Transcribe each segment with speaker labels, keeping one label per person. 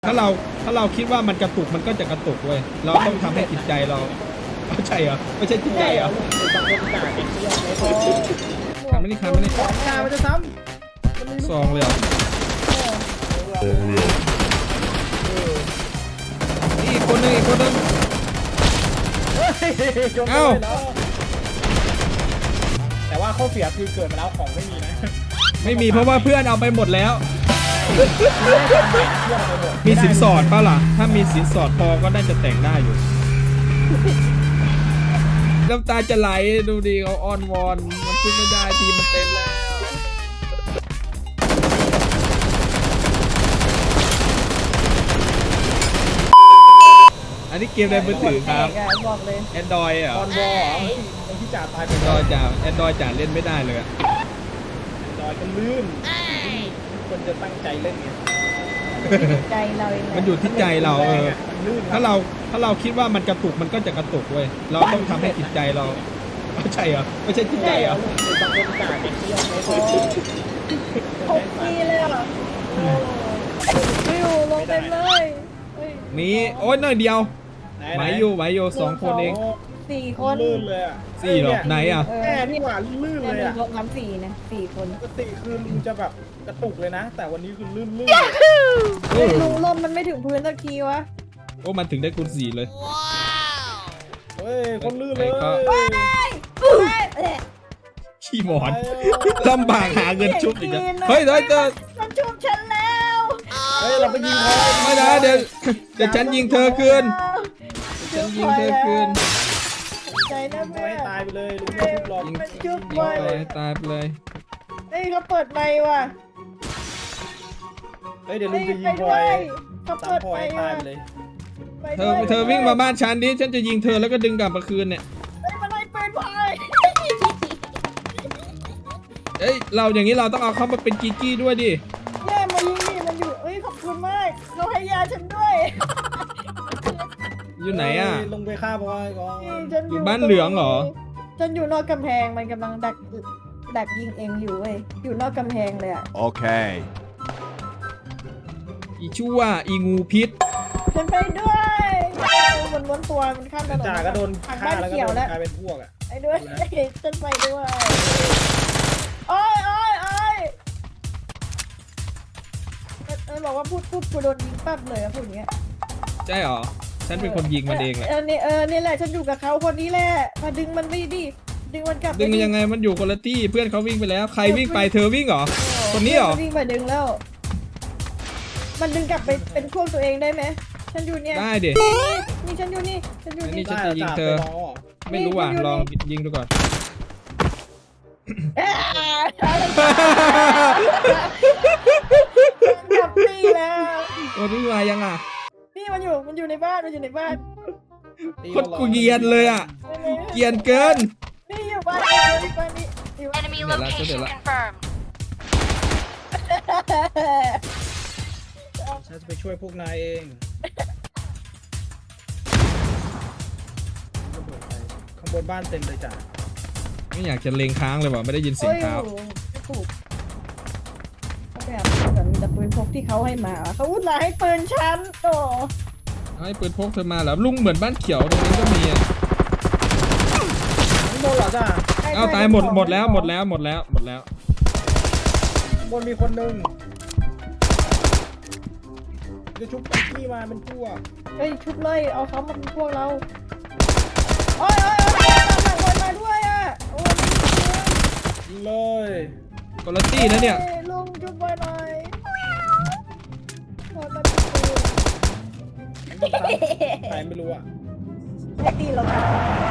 Speaker 1: ถ้าเราคิดว่ามันกระตุกมันก็จะกระตุกเว้ยเราต้องทำให้จิตใจเราใช่เหรอไม่ใช่จิตใจเหรอทำไม่ได้ทำไม่ได้
Speaker 2: กามันจะซ้
Speaker 1: ซองเลยเหรออีกคนนึง
Speaker 2: ำเอ้าแต่ว่าข้อเสียคือเกิดมาแล้วของไม่มีนะ
Speaker 1: ไม่มีเพราะว่าเพื่อนเอาไปหมดแล้ว มีสินสอดป่ะล่ะถ้ามีสินสอดพอก็น่าจะแต่งได้อยู่น้ำตาจะไหลดูดิเขาอ้อนวอนมันขึ้นไม่ได้ทีมันเต็มแล้วอันนี้เกมในมือถือครับ
Speaker 3: บอกเลย
Speaker 1: Android เหรอ
Speaker 2: ออนวอลที่จ่าตายไป
Speaker 1: Android จ่าเล่นไม่ได้เลยอะ
Speaker 2: จอยกันลื่นคนจะตั้งใจเล่นไง
Speaker 3: ใจเราเอง
Speaker 1: มันอยู่ที่ใจเรา
Speaker 2: ลื่น
Speaker 1: ถ้าเราคิดว่ามันกระตุกมันก็จะกระตุกเว้ยเราต้องทำให้จิตใจเราใช่เหรอไม่ใช่จิตใจเหรอบ
Speaker 2: างคนจ่าเก่งเที่ยวไม่
Speaker 3: 6 ปีเลยอ่ะวิวลงเต็มเลยเฮ้ย
Speaker 1: มีโอ้ยหน่อยเดียวไหวอยู่2 คนเอง
Speaker 3: 4 คน
Speaker 2: ลื่นเลยอ่ะ
Speaker 1: 4หรอไหนอ่ะ
Speaker 2: แม่นี่หว่าลื่นเลยอ่ะ
Speaker 3: รวมทั้ง4นะ4 คน
Speaker 2: ปกติคือลุงจะแบบกระตุกเลยนะ แต่วันนี้คือลื่น
Speaker 3: เฮ้ยลุงลมมันไม่ถึงพื้นสักทีวะ
Speaker 1: โอ้มันถึงได้คูณ4เลย
Speaker 2: เฮ้ยคนลื่นเลย
Speaker 1: ขี้หมอนลำบากหาเงินชุบอีกแล้วเฮ้ยเจอ
Speaker 3: มันชุบฉันแล้ว
Speaker 2: เฮ้ยเราไปยิงเขา
Speaker 1: ไม่นะเดี๋ยวฉันยิงเธอคืนฉันยิงเธอคืน
Speaker 3: ใจนะ
Speaker 2: ยิง
Speaker 3: แม่
Speaker 2: ให้ตายไปเลยลุงไม่ทุบหรอก
Speaker 1: ยิง
Speaker 3: มันชุบ
Speaker 1: ยิง
Speaker 3: ไว้
Speaker 1: ไปให้ตายไปเลย
Speaker 3: เฮ้ยเขาเปิดไมค์ว่ะ
Speaker 2: เฮ้ยเดี๋ยวลุงจะยิ
Speaker 3: ไป
Speaker 2: งพล
Speaker 3: ด้
Speaker 2: อ
Speaker 3: วย ยเขา
Speaker 2: ตา
Speaker 3: เปิ
Speaker 2: ม
Speaker 3: ด
Speaker 2: พลอ
Speaker 3: ไม
Speaker 2: ยให้
Speaker 3: ค์
Speaker 2: ตา
Speaker 3: ว่ะ
Speaker 2: ยไปเลย
Speaker 3: ไป
Speaker 1: เธ
Speaker 3: ด้วย
Speaker 1: อวิ่งมาบ้านฉันดิฉันจะยิงเธอแล้วก็ดึงกลับมาคืนเนี่ย
Speaker 3: เฮ้ยมันไล่ปืนพาย
Speaker 1: เอ้ยเราอย่างนี้เราต้องเอาเขามาเป็นกีกี้ด้วยดิ
Speaker 3: แย่มายิงนี่มันอยู่เอ้ยขอบคุณมากเราให้ยาฉันด้วย
Speaker 1: อยู่ไหนอ่ะ
Speaker 2: ลงไปฆ่าพลอยก่อน
Speaker 3: นี่ฉัน
Speaker 1: อยู่บ้านเหลืองเหรอ
Speaker 3: ฉันอยู่นอกกำแพงมันกำลังดักยิงเองอยู่เว้ยอยู่นอกกำแพงเลยอ่ะ
Speaker 4: Okay.
Speaker 1: อีชั่วอีงูพิษ
Speaker 3: ฉันไปด้วยมันม้วนตัวมันข้ามถนน
Speaker 2: จ่าก็โดน
Speaker 3: ทาง
Speaker 2: ฆ่า
Speaker 3: บ้าน
Speaker 2: แล้วก็
Speaker 3: เขียว
Speaker 2: โดน
Speaker 3: แล้ว
Speaker 2: กลายเป็นพวกอ่ะ
Speaker 3: ไอ้ด้วยฉันไปด้วยโอ้ยบอกว่าพูดปุ๊บกูโดนยิงปั๊บเลยอะพูดอย่างเงี้ย
Speaker 1: ใช่เหรอฉันเป็นคนยิงมันเองแหละ
Speaker 3: นี่แหละฉันอยู่กับเขาคนนี้แหละมาดึงมันไม่ดิดึงมันกลับ
Speaker 1: ดึงยังไงมันอยู่คนละที่เพื่อนเขาวิ่งไปแล้วใครวิ่งไปเธอวิ่งเหรอคนนี้เหรอ
Speaker 3: วิ่งมาดึงแล้ว มันดึงกลับไปเป็นพวกตัวเองได้ไหมฉันอยู่เนี่ย
Speaker 1: ได้ดิ
Speaker 3: นี่ฉันอยู่นี่ฉันอยู่
Speaker 1: นี่
Speaker 3: นี่
Speaker 1: ฉันจะยิงเธอ ไม่รู้ว่ะลองยิงดูก่อน
Speaker 3: กลับนี่แล้ว
Speaker 1: โอ้นี่มายังอ่ะ
Speaker 3: นี่มันอยู่ในบ้านมันอยู่ในบ้าน
Speaker 1: โคตรกูเกรียนเลยอ่ะเกรียนเกิน
Speaker 3: นี่อยู่บ้านนี่บ้านนี่อยู่บ้าน
Speaker 5: Enemy
Speaker 1: Để lại,
Speaker 5: location
Speaker 1: để lại.
Speaker 5: confirmed.
Speaker 2: ฉันจะไปช่วยพวกนายเองข้างบนบ้านเต็มเลยจ้ะ
Speaker 1: ไม่อยากจะเลงค้างเลยว่ะไม่ได้ยินเสียงเท้า
Speaker 3: โอ้ยไม่ถูกเขาแบบมีแต่ปืนพกที่เขาให้มาเขาอุตส่าห์ให้ปืนฉันโอ้
Speaker 1: เอาให้ปืนพกเธอมาแล้วลุงเหมือนบ้านเขียวตรงนี้ก็มีอ่ะ
Speaker 2: ข้างบนเหรอจ้ะ
Speaker 1: เอาตายหมดแล้ว
Speaker 2: ข้างบนมีคนหนึ่งจะชุบปักกี้มาเป็นพวก
Speaker 3: เฮ้ยชุบเลยเอาเขามาเป็นพวกเราโอ้ยตามหลังคนมาด้วยอ่ะโอ้ย
Speaker 2: ยิงเลย
Speaker 1: คนละตี้นะเนี่ย
Speaker 3: ลุงชุบไปหน่อยคนมา
Speaker 2: ใครไม่รู้อ่ะ
Speaker 3: ให้ตีเราอยู่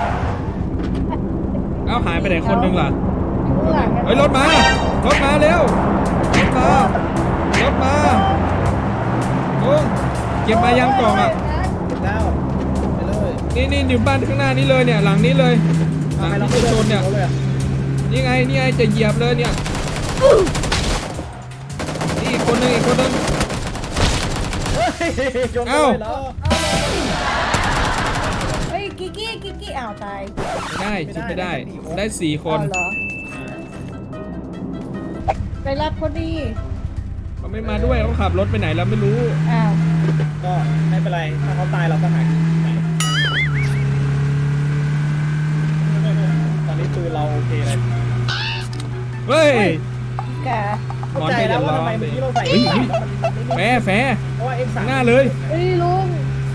Speaker 1: เอ้าหายไปไหนคนหนึงล่ะ
Speaker 3: ข้างหลัง
Speaker 1: เฮ้ยรถมาเร็วรถมาโอ้เก็บมายังกล่องอ่ะ
Speaker 2: เสร็จแล้วไปเลย
Speaker 1: นี่อยู่บ้านข้างหน้านี้เลยเนี่ยหลังนี้เลยหลังที่จะชนเนี่ย
Speaker 2: อาเลยอะ
Speaker 1: นี่ไงจะเหยียบเลยเนี่ยนี่อีกคนนึง
Speaker 2: ชน
Speaker 1: เอ้า
Speaker 2: เลยเหรอ
Speaker 3: เฮ้ยกิกกี้อ้าวตาย
Speaker 1: ไม่ได้ชุดไม่ได้ได้4 คน
Speaker 3: อ๋อเหรอไปรับคนดี
Speaker 1: เขาไม่มาด้วยเขาขับรถไปไหนแล้วไม่รู้
Speaker 3: อ้าว
Speaker 2: ถ้าเขาตายเราก็หายไปตอนนี้ปืนเราโอเคเลย
Speaker 1: เฮ้ย
Speaker 3: แก
Speaker 1: หมอนไป
Speaker 2: เข้าใจ
Speaker 1: เดี๋
Speaker 2: แล้
Speaker 1: ยว ว
Speaker 2: ว่า
Speaker 1: ร้อ
Speaker 2: ทำไม
Speaker 1: ง
Speaker 2: เมื่อกี้เราใส่
Speaker 1: เฮ้ย
Speaker 2: X3 แล้วมันไม่
Speaker 1: แฟร์
Speaker 2: เพราะว่า X3
Speaker 1: หน้าเลย
Speaker 3: เฮ้ยลุง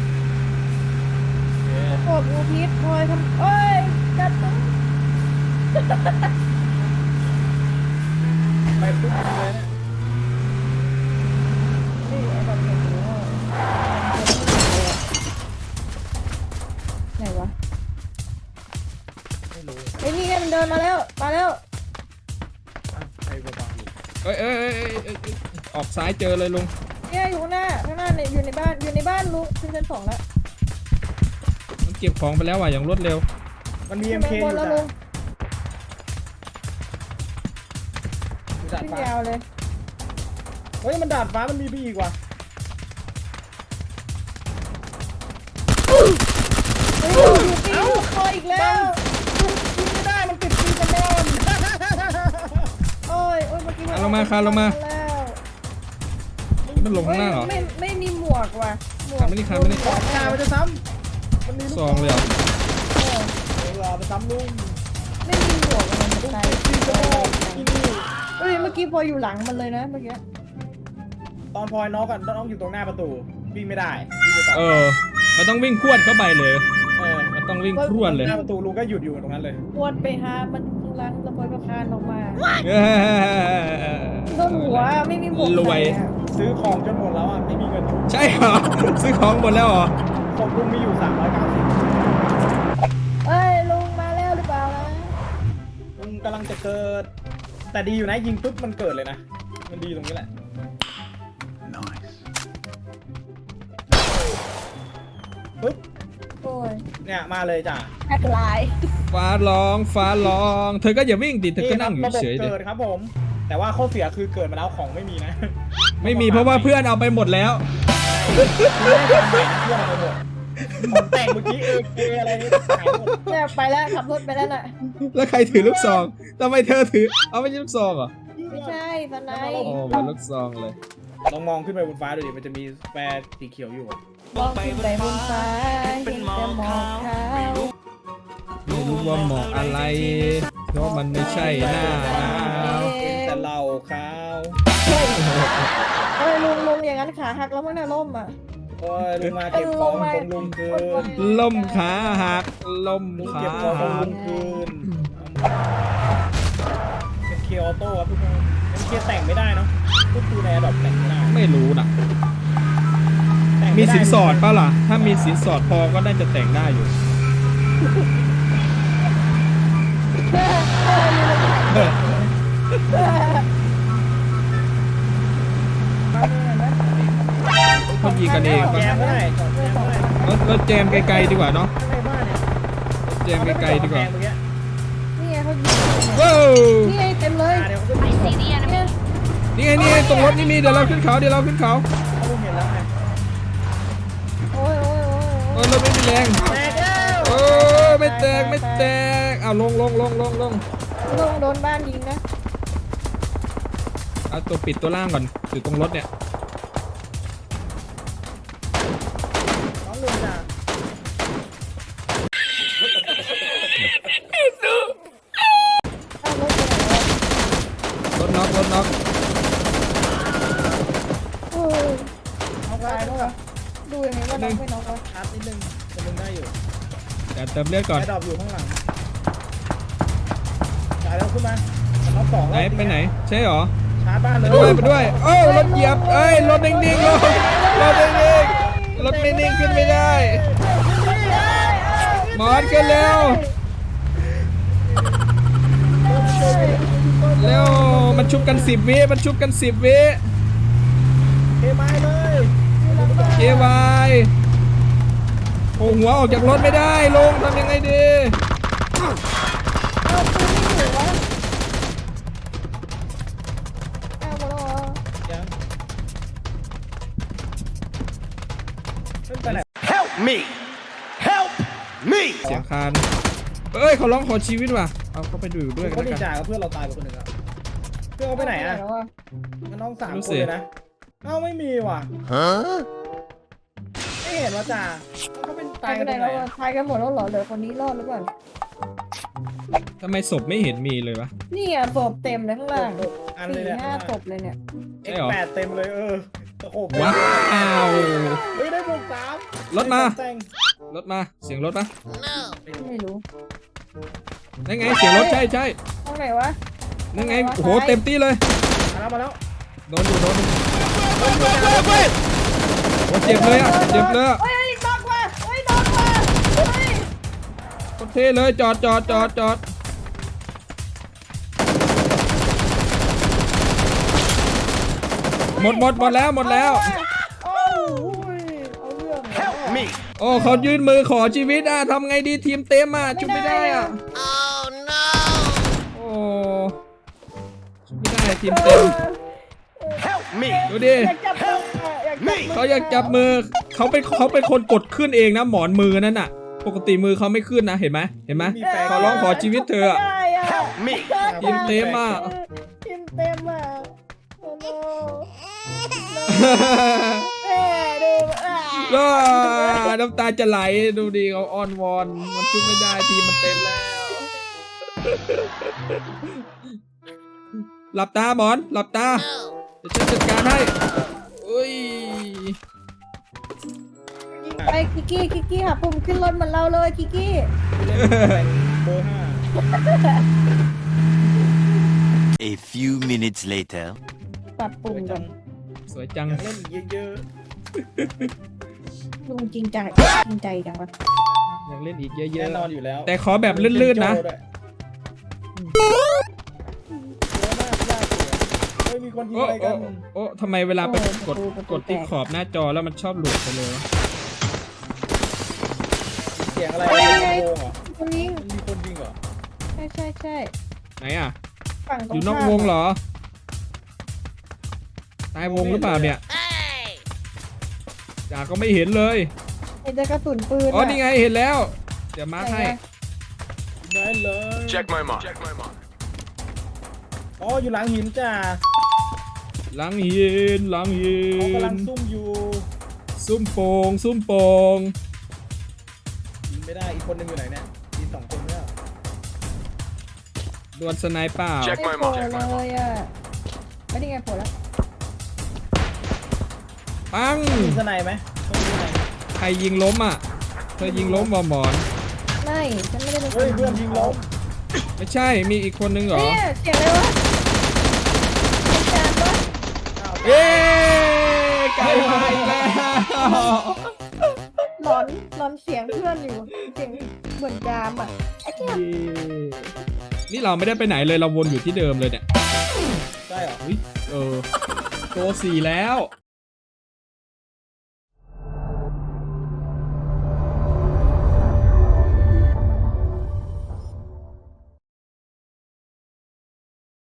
Speaker 3: กดงูพิษพลอยทำเอ้ยกัดตัว
Speaker 2: ไปปุ๊บเลยนะ
Speaker 3: นี่ไอ้แบบนี้ไหนวะ
Speaker 2: ไม่รู้
Speaker 3: ไอ้นี่ไงมันเดินมาแล้วมาแล้ว
Speaker 2: ใครบ้าๆอยู่
Speaker 1: เอ้ยออกซ้ายเจอเลยลุง
Speaker 3: เนี่ยอยู่ข้างหน้าเนี่ยอยู่ในบ้านลุงขึ้นชั้น 2แล้ว
Speaker 1: มันเก็บของไปแล้วว่ะอย่างรวดเร็ว
Speaker 2: มันมี
Speaker 3: ขึ้น
Speaker 2: MK
Speaker 3: ไป
Speaker 2: อ
Speaker 3: ข้างบน
Speaker 2: ยู่
Speaker 3: แล้ว
Speaker 2: จ้ะ
Speaker 3: ลุง
Speaker 2: อยู่ดาดฟ้าย
Speaker 3: ขึ้นาวเลย
Speaker 2: เฮ้ยมันดาดฟ้ามันมีบีอีกว่ะ
Speaker 3: เฮ้ยอยู่ปีนคออีกแล้ว
Speaker 2: ยิงไม่ได้มันติดปีกระบอน
Speaker 3: โอ้ยเมื่อกี้
Speaker 1: คานลงมาคานลงมา
Speaker 3: แล้ว
Speaker 1: มันลงข้างล่างเหรอ
Speaker 3: ไม่มีหมวกว่ะหมวก
Speaker 1: คานไม่ได้คานไม่ได้
Speaker 2: ขอชามันจะซ้ำมันมีลูก
Speaker 1: ซองเลยเหรอ
Speaker 3: เออ
Speaker 2: เราไปซ้ำลุง
Speaker 3: ไม่มีหมวกมัน
Speaker 2: ลุง
Speaker 3: ตาย
Speaker 2: ติดปีกระบอนที่นี่
Speaker 3: เฮ้ยเมื่อกี้พออยู่หลังมันเลยนะเมื่อกี้
Speaker 2: ตอนพลอยน้องกันน้องอยู่ตรงหน้าประตูวิ่งไม่ได้วิ่งไปต่อ
Speaker 1: มันต้องวิ่งพรวดเข้าไปเลย
Speaker 2: เออ
Speaker 1: มันต้องวิ่งพรวดเลย
Speaker 2: หน้าประตูลุงก็หยุดอยู่ตรงนั้นเลย
Speaker 3: วนไปหามันหลังแล้วพอก็คานออกมา
Speaker 1: เอ้ย
Speaker 3: โดนหัวไม่มีหมวก
Speaker 1: รวย
Speaker 3: ใส่อะ
Speaker 2: ซื้อของจนหมดแล้วอ่ะไม่มีเงินชุบ
Speaker 1: ใช่เหรอ ซื้อของหมดแล้วเหรอ
Speaker 2: ของลุงมีอยู่390
Speaker 3: เอ้ยลุงมาแล้วหรือเปล่านะ
Speaker 2: ลุงกำลังจะเกิด แต่ดีอยู่นะยิงปุ๊บมันเกิดเลยนะมันดีตรงนี้แหละปุ๊บ
Speaker 3: โอ้ย
Speaker 2: เนี่ยมาเลยจ้ะ
Speaker 3: แอดไลน์
Speaker 1: ฟ้าร้อง เธอก็อย่าวิ่งดิเธอก็นั่งอยู่
Speaker 2: ระบบ
Speaker 1: เฉยๆดิ
Speaker 2: เกิดครับผม แต่ว่าข้อเสียคือเกิดมาแล้วของไม่มีนะ
Speaker 1: ไม่มีเพราะว่าเพื่อนเอาไปหมดแล้ว
Speaker 2: ไม่ได้ทำใหม่นะเพื่อนเอาไปหมดของแต่งเมื่อกี้อะไรนี่ขายหมด
Speaker 3: เนี่ยไปแล้วขับรถไปแล้วน่ะ
Speaker 1: แล้วใครถือลูกซองทำไมเธอถือ เอาไม่ใช่ลูกซองเหรอ
Speaker 3: ไม่ใช่สไน
Speaker 1: โอ้เป็นลูกซองเลย
Speaker 2: ลองมองขึ้นไปบนฟ้าดูดิมันจะมีแปรสีเขียวอยู่อะ
Speaker 3: มองขึ้นไปบนฟ้าเห็นแต่หมอกขาว
Speaker 1: ไม่รู้ว่าหมอกอะไร เพราะมันไม่ใช่หน้าหนาว
Speaker 2: เป็นแต่เหล้าขาว
Speaker 3: เอ้ยลุงอย่างนั้นขาหักแล้วมั้งเนี่ยล่มอ่ะ
Speaker 2: โอ้ยลุงมาเก็บของของลุงคืน
Speaker 1: ล่มขาหักล่ม
Speaker 2: ลุง
Speaker 1: ขา
Speaker 2: เก็บของของ
Speaker 1: หั
Speaker 2: ลุ
Speaker 1: ก
Speaker 2: งคืนเป็นเคออโต้ครับทุกคนเป็นเคแต่งไม่ได้เนาะก็คือในระดับแต่งไม่ได้
Speaker 1: ไม่รู้นะ
Speaker 2: แต่ง
Speaker 1: มี
Speaker 2: ไได้
Speaker 1: สินสอดป่ะล่ะ ถ้ามีสินสอดพอก็น่าจะแต่งได้อยู่ คนยิงกันเอง
Speaker 2: แจ
Speaker 1: ป่ะ
Speaker 2: มก็ได้จอดแจมก็ได้
Speaker 1: เราแจมไกลๆดีกว่าเนาะ
Speaker 2: ข้างในบ้านเนี่ย
Speaker 1: แจมไกลๆดีกว่า
Speaker 2: เอไปจอดแพงเมื่อกี้
Speaker 3: นี่ไงเขายิง
Speaker 1: ว้าว
Speaker 3: นี่ไงเต็มเลย
Speaker 2: เดี๋ยวเขาขึ้นไป
Speaker 3: เนี่ย
Speaker 1: นี่ไงตรงรถนี่มีเดี๋ยวเราขึ้นเขา
Speaker 2: เขาเห็นแล้วไง
Speaker 3: โอ้ย
Speaker 1: เออรถไม่มีแรง
Speaker 2: แตกแล้ว
Speaker 1: โอ้ไม่แตกเอาลง
Speaker 3: ลุงโดนบ้านยิงนะ
Speaker 1: เอาตัวปิดตัวล่างก่อนอยู่ตรงรถเนี่ย
Speaker 2: น้องลุงจ้ะ
Speaker 3: เอารถไปไหนวะ
Speaker 1: รถน็อก
Speaker 3: โอ้ย
Speaker 2: เอาไปแล้วเหรอ
Speaker 3: ดูยังไงว่าน้องไม่น้องวะ
Speaker 2: ชาร์จนิดนึงจะลุงได้อยู่
Speaker 1: เดี๋ยวเติมเลือดก่อน
Speaker 2: ไอ้ดอกอยู่ข้างหลังจ่ายแล้วขึ้นมามันน็อกสอง
Speaker 1: ไหนไปไหนใช่หรอ
Speaker 2: ชาร์จบ้านเลย
Speaker 1: ไปด้วยโอ้รถเหยียบเอ้ยรถนิ่งๆรถนิ่งๆรถไม่นิ่งขึ้นไม่ได้หมอนกันเร็วเร็วมันชุบกัน10 วิมันชุบกัน10 วิ
Speaker 2: เทไม้เลย
Speaker 1: เควายโอ้หัวออกจากรถไม่ได้ลงทำยังไงดี
Speaker 3: เอาปืนไม่อยู่วะเอาหมดแล้วเหรอ
Speaker 2: ยังขึ้นไปไหน
Speaker 4: Help me! Help me!
Speaker 1: เสียงคานเอ้ยเขาร้องขอชีวิตว่ะเอาเขาไปดูด้วยกัน
Speaker 2: เขา
Speaker 1: แล้ว
Speaker 2: ดี
Speaker 1: กัน
Speaker 2: จ่ากับเพื่อนเราตายไปคนหนึ่งแล้วเพื่อนเขาไปไหนอ่ะ
Speaker 3: แล้วอะ
Speaker 2: มันน้อง3
Speaker 1: รู้
Speaker 2: ค
Speaker 1: สิ
Speaker 2: นเลยนะเอ้าไม่มีว่ะ
Speaker 4: Huh?
Speaker 2: ไม่เห็นเห็นว่าจ่าเขาเป็น
Speaker 3: ตา
Speaker 2: ตาย ย
Speaker 3: ไป
Speaker 2: กัน
Speaker 3: ไหน
Speaker 2: ตรงไหน
Speaker 3: แล้ว
Speaker 2: อะ
Speaker 3: ตายกันหมดแล้วเหรอเหลือคนนี้รอดหรือเปล่า
Speaker 1: ทำไมศพไม่เห็นมีเลยวะ
Speaker 3: นี่อ่ะศพเต็มเลยข้างล่าง
Speaker 2: อันเลย
Speaker 3: สี่
Speaker 2: เนี่ย
Speaker 3: ห้าศพเลยเนี่ย
Speaker 1: ใช่เหรอ
Speaker 2: X8 เต็มเลยโอ้โห
Speaker 1: ว้าว
Speaker 2: เฮ้ยได้บวก3
Speaker 1: รถมา
Speaker 2: แต่ง
Speaker 1: รถมาเสียงรถปะ
Speaker 3: ไม่รู้
Speaker 1: นั่นไงเสียงรถใช่
Speaker 3: ตรงไหนวะ
Speaker 1: นั่นไงโอ้โหเต็มที่เลย
Speaker 2: มาแล้ว
Speaker 1: โดนอยู่โอ้เจ็บเลยอ่ะเจ็บเลยอะ
Speaker 3: เฮ้ยนอกว่ะเฮ้ยนอกว่ะเฮ้ย
Speaker 1: โคตรเท่เลยจอดหมดแล้ว
Speaker 3: โอ้ยเอาเรื่อง
Speaker 4: Help me.
Speaker 1: โอ้เขายื่นมือขอชีวิตอ่ะทำไงดีทีมเต็มอ่ะชุบไม่ได้อ่ะ
Speaker 4: Oh no.
Speaker 1: โอ้ชุบไม่ได้ทีมเต็ม
Speaker 4: Help me.
Speaker 1: ดูดิ
Speaker 3: อยากจับมืออยากจับมือ
Speaker 1: เขาอยากจับมือเขาเป็นคนกดขึ้นเองนะหมอนมือนั่นน่ะ ปกติมือเขาไม่ขึ้นนะเห็นไหมขอร้องขอชีวิตเธออะ
Speaker 3: ไม่ได้อะ
Speaker 4: Help me.
Speaker 1: ทีมเต็มอ่ะ
Speaker 3: ทีมเต็มอ่ะโอ้โหแม่ดูอ่ะ
Speaker 1: ก็น้ำตาจะไหลดูดิเขาอ้อนวอนมันชุบไม่ได้ทีมมันเต็มแล้ว หลับตาหมอนหลับตาเดี๋ยวฉันจัดการให้อุ้ย
Speaker 3: ไปกิกกี้หาปุ่มขึ้นรถเหมือนเราเลยกิกกี้
Speaker 2: เบอร์5
Speaker 5: A few minutes later.
Speaker 3: ปรับปุ่มก่อน
Speaker 1: สวยจัง
Speaker 2: อยากเล่นอีกเยอะ
Speaker 3: ลุงจริงใจจังวะ
Speaker 1: อยากเล่นอีก
Speaker 2: ๆ
Speaker 1: เย
Speaker 2: แน่
Speaker 1: อะ
Speaker 2: นอนอยู่แล้ว
Speaker 1: ๆแต่ขอแบบลื่นๆนะ
Speaker 2: เยอะมากยากเฮ้ยมีคนยิง
Speaker 1: โอ้
Speaker 2: อะไร
Speaker 1: โอ้
Speaker 2: กัน
Speaker 1: โอ้ทำไมเวลาไปกดที่ขอบหน้าจอแล้วมันชอบหลุดไปเลยวะ
Speaker 2: เสียงอะไรโวงเหรอ
Speaker 3: คนยิง
Speaker 2: มันมีคนยิงเหรอ
Speaker 3: ใช่
Speaker 1: ไหนอ่ะ
Speaker 3: ฝั่งตรง
Speaker 1: อยู่นอก
Speaker 3: ข้าม
Speaker 1: วงเหรอตายวงหรือเปล่าเนี่ยจ่าก็ไม่เห็นเลย
Speaker 3: เห็นแต่กระสุนปืน
Speaker 1: อ๋อนี่ไงเห็นแล้ว เดี๋ยวมาร์คให้
Speaker 2: ได้เลย
Speaker 4: Check my mark.
Speaker 2: อ๋ออยู่หลังหินจ้า
Speaker 1: หลังหิน
Speaker 2: เขากำลังซุ่มอยู่
Speaker 1: ซุ่มโปง
Speaker 2: ยิงไม่ได้อีกคนหนึงอยู่ไหนเนี่ยมี2คนเนี่ย
Speaker 1: ดวลสไนเปอร์
Speaker 4: Check
Speaker 3: ไม่โผล่เลยอ่ะไม่ได้ไงโผล่แล้ว
Speaker 1: ปัง
Speaker 2: มีสไนไหมต้องมีสไน
Speaker 1: ใครยิงล้มอ่ะ เธอยิงล้มบ่หมอน
Speaker 3: ไม่ฉันไม่ได้เป็น
Speaker 2: เฮ้ยเพื่อนยิงล้ม
Speaker 1: ไม่ใช่มีอีกคนนึงเหรอ
Speaker 3: เนี่ยเสียงอะไรวะเป็นจานปะ
Speaker 1: เย้ไก่มาอีกแล้ว
Speaker 3: หลอนเสียงเพื่อนอยู่เสียงเหมือนจามอ่ะไอ้เจ้า
Speaker 1: นี่เราไม่ได้ไปไหนเลยเราวนอยู่ที่เดิมเลยเนี่ย
Speaker 2: ใช่เหรอ
Speaker 1: อุ๊ยโก4แล้ว